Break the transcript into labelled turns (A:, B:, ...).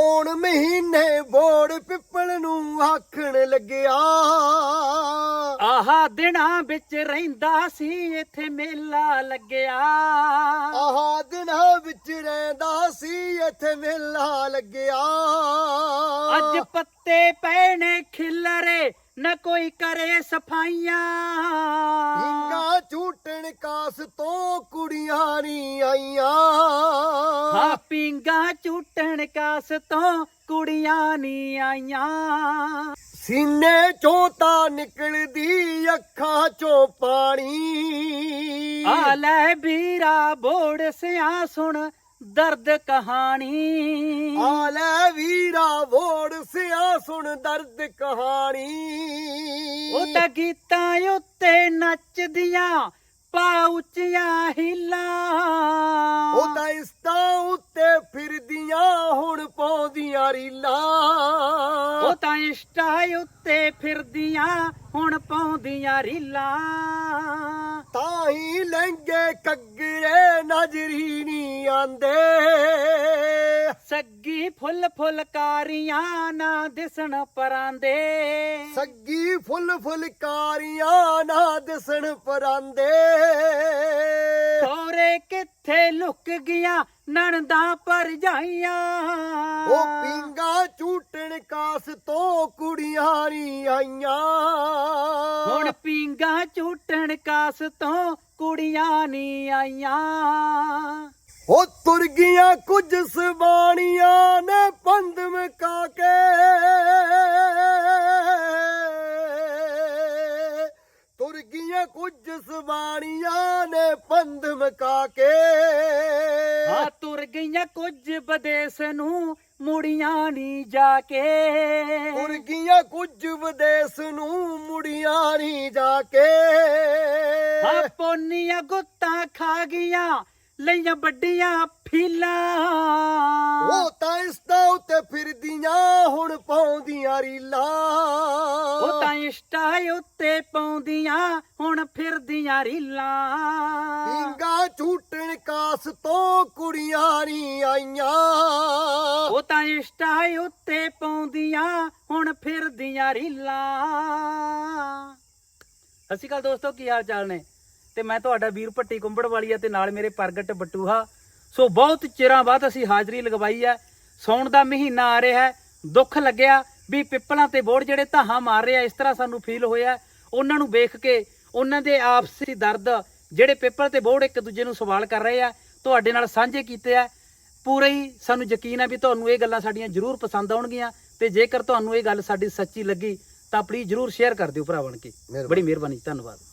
A: ਪੌਣ ਮਹੀਨੇ ਬੋੜ ਪਿੱਪਲ ਨੂੰ ਆਖਣ ਲੱਗਿਆ।
B: ਆਹਾ ਦਿਨਾਂ ਵਿੱਚ ਰਹਿੰਦਾ ਸੀ ਇੱਥੇ ਮੇਲਾ ਲੱਗਿਆ।
A: ਆਹ ਦਿਨਾਂ ਵਿੱਚ ਰਹਿੰਦਾ ਸੀ ਇੱਥੇ ਮੇਲਾ ਲੱਗਿਆ।
B: ਅੱਜ ਪੱਤੇ ਪੈਣੇ ਖਿਲਰੇ ਨਾ ਕੋਈ ਕਰੇ ਸਫਾਈਆਂ।
A: ਹਿੰਗਾ ਝੂਟਣ ਕਾਸ ਤੋਂ ਕੁੜੀਆਂ ਨੀ ਆਈਆਂ।
B: ਹਾਂ ਪੀਂਗਾ ਝੂਟਣ ਕਾਸ ਤੋਂ ਕੁੜੀਆਂ ਨੀ ਆਈਆਂ।
A: ਸੀਨੇ ਚੋਂ ਤਾਂ ਨਿਕਲਦੀ ਅੱਖਾਂ ਚੋਂ ਪਾਣੀ।
B: ਆ ਲੈ ਵੀਰਾ ਬੋੜ ਸਿਆ ਸੁਣ ਦਰਦ ਕਹਾਣੀ।
A: ਆ ਲੈ ਵੀਰਾ ਬੋੜ ਸਿਆ ਸੁਣ ਦਰਦ ਕਹਾਣੀ।
B: ਉਹ ਤਾਂ ਗੀਤਾਂ ਉੱਤੇ ਨੱਚਦੀਆਂ ਪਾ ਉੱਚੀਆਂ ਹੀਲਾਂ।
A: ਉਹ ਤਾਂ ਇਸਤਾਂ ਉੱਤੇ ਫਿਰਦੀਆਂ ਹੁਣ ਪਾਉਂਦੀਆਂ ਰੀਲਾਂ।
B: ਉਹ ਤਾਂ ਇੰਸਟਾ ਉੱਤੇ ਫਿਰਦੀਆਂ ਹੁਣ ਪਾਉਂਦੀਆਂ ਰੀਲਾਂ।
A: ਤਾਂ ਹੀ ਲਹਿੰਗੇ ਕੱਗਰੇ ਨਜ਼ਰੀ ਨੀ ਆਂਦੇ।
B: ਸੱਗੀ ਫੁੱਲ ਫੁਲਕਾਰੀਆਂ ਨਾ ਦਿਸਣ ਪਰਾਂਦੇ।
A: ਸੱਗੀ ਫੁੱਲ ਫੁਲਕਾਰੀਆਂ ਨਾ ਦਿਸਣ ਪਰਾਂਦੇ।
B: ਖੋਰੇ ਕਿੱਥੇ ਲੁਕ ਗਿਆ ਨਣਦਾਂ ਭਰਜਾਈਆਂ।
A: ਉਹ ਪੀਂਗਾ ਝੂਟਣ ਕਾਸ ਤੋਂ ਕੁੜੀਆਂ ਨੀ ਆਈਆਂ।
B: ਹੁਣ ਪੀਂਗਾ ਝੂਟਣ ਕਾਸ ਤੋਂ ਕੁੜੀਆਂ ਨੀ ਆਈਆਂ।
A: ਉਹ ਤੁਰ ਗਈਆਂ ਕੁਝ ਸਵਾਣੀਆਂ ਨੇ ਪੰਧ ਮਕਾ ਕੇ। ਤੁਰ ਗਈਆਂ ਕੁਝ ਸਵਾਣੀਆਂ ਨੇ ਪੰਧ ਮਕਾ ਕੇ।
B: ਆ ਤੁਰ ਗਈਆਂ ਕੁਝ ਵਿਦੇਸ ਨੂੰ ਮੁੜੀਆਂ ਨੀ ਜਾ ਕੇ।
A: ਤੁਰ ਗਈਆਂ ਕੁਝ ਵਿਦੇਸ ਨੂੰ ਮੁੜੀਆਂ ਨੀ ਜਾ ਕੇ।
B: ਆ ਪੋਨੀਆਂ ਗੁੱਤਾਂ ਖਾ ਗਈਆਂ ਲਈਆਂ ਵੱਡੀਆਂ ਫੀਲਾਂ।
A: ਉਹ ਤਾਂ ਇਸਤਾਂ ਉੱਤੇ ਫਿਰਦੀਆਂ ਹੁਣ ਪਾਉਂਦੀਆਂ ਰੀਲਾਂ।
B: ਉਹ ਤਾਂ ਇੰਸਟਾ ਉੱਤੇ ਪਾਉਂਦੀਆਂ ਹੁਣ ਫਿਰਦੀਆਂ ਰੀਲਾਂ।
A: ਪੀਂਗਾ ਝੂਟਣ ਕਾਸ ਤੋਂ ਕੁੜੀਆਂ ਨੀ ਆਈਆਂ।
B: ਉਹ ਤਾਂ ਇੰਸਟਾ ਉੱਤੇ ਪਾਉਂਦੀਆਂ ਹੁਣ ਫਿਰਦੀਆਂ ਰੀਲਾਂ। ਸਤਿ ਸ਼੍ਰੀ ਅਕਾਲ ਦੋਸਤੋ, ਕੀ ਹਾਲ ਚਾਲ ਨੇ? ਤੇ ਮੈਂ ਤੁਹਾਡਾ ਵੀਰ ਭੱਟੀ ਕੁੰਬੜ ਵਾਲੀਆ ਤੇ ਨਾਲ ਮੇਰੇ ਪ੍ਰਗਟ ਬਟੂਹਾ। ਸੋ ਬਹੁਤ ਚਿਰਾਂ ਬਾਅਦ ਅਸੀਂ ਹਾਜ਼ਰੀ ਲਗਵਾਈ ਹੈ। ਸੌਣ ਦਾ ਮਹੀਨਾ ਆ ਰਿਹਾ ਹੈ। ਦੁੱਖ ਲੱਗਿਆ ਵੀ ਪਿੱਪਲਾਂ ਤੇ ਬੋੜ ਜਿਹੜੇ ਧਾਹਾਂ ਮਾਰ ਰਹੇ ਆ, ਇਸ ਤਰ੍ਹਾਂ ਸਾਨੂੰ ਫੀਲ ਹੋਇਆ। ਉਹਨਾਂ ਨੂੰ ਵੇਖ ਕੇ ਉਹਨਾਂ ਦੇ ਆਪਸੀ ਦਰਦ ਜਿਹੜੇ ਪਿੱਪਲ ਤੇ ਬੋੜ ਇੱਕ ਦੂਜੇ ਨੂੰ ਸਵਾਲ ਕਰ ਰਹੇ ਆ, ਤੁਹਾਡੇ ਨਾਲ ਸਾਂਝੇ ਕੀਤੇ ਆ। ਪੂਰਾ ਹੀ ਸਾਨੂੰ ਯਕੀਨ ਹੈ ਵੀ ਤੁਹਾਨੂੰ ਇਹ ਗੱਲਾਂ ਸਾਡੀਆਂ ਜ਼ਰੂਰ ਪਸੰਦ ਆਉਣਗੀਆਂ। ਤੇ ਜੇਕਰ ਤੁਹਾਨੂੰ ਇਹ ਗੱਲ ਸਾਡੀ ਸੱਚੀ ਲੱਗੀ ਤਾਂ ਪਲੀਜ਼ ਜ਼ਰੂਰ ਸ਼ੇਅਰ ਕਰ ਦਿਓ ਭਰਾ ਬਣ ਕੇ। ਬੜੀ ਮਿਹਰਬਾਨੀ, ਧੰਨਵਾਦ।